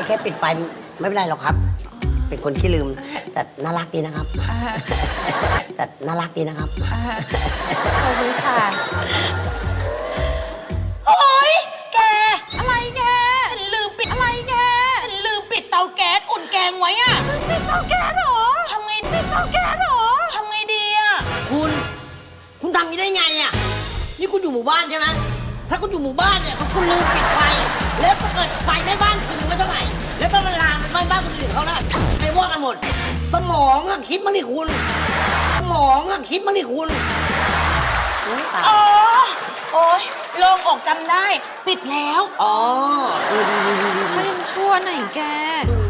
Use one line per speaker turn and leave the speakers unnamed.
แค่ปิดไฟไม่เป็นไรหรอกครับ เป็นคนขี้ลืม แต่น่ารักดีนะครับ แต่น่ารักดีนะครับ
ขอบคุณค่ะ
โอ๊ยแก
อะไรแก
ฉันลืมปิดอะไรแก ฉันลืมปิดเตาแก๊สอุ่นแกงไว้อะ
ปิดเตาแก๊สเหรอ
ทำไง
ปิดเตาแก๊สเหรอ
ทำไงดีอะ
คุณทำนี้ได้ไงอ่ะ นี่คุณอยู่หมู่บ้านใช่ไหมถ้าคุณอยู่หมู่บ้านเนี่ยคุณลืมปิดไฟ แล้วถ้าเกิดไฟแม่บ้านคุณยังไม่เท่าไหร่ แล้วถ้ามันลามไปบ้านคนอื่นเขาแล้วไปว่ากันหมด สมองอะคิดบ้างดิคุณ สมองอะคิดบ้างดิคุณโอ้ยตาย
อ๋อ โอ๊ยโล่งอกจำได้ ปิดแล้ว
อ๋อดี
ไม่ยังชั่วไหนแก
อืม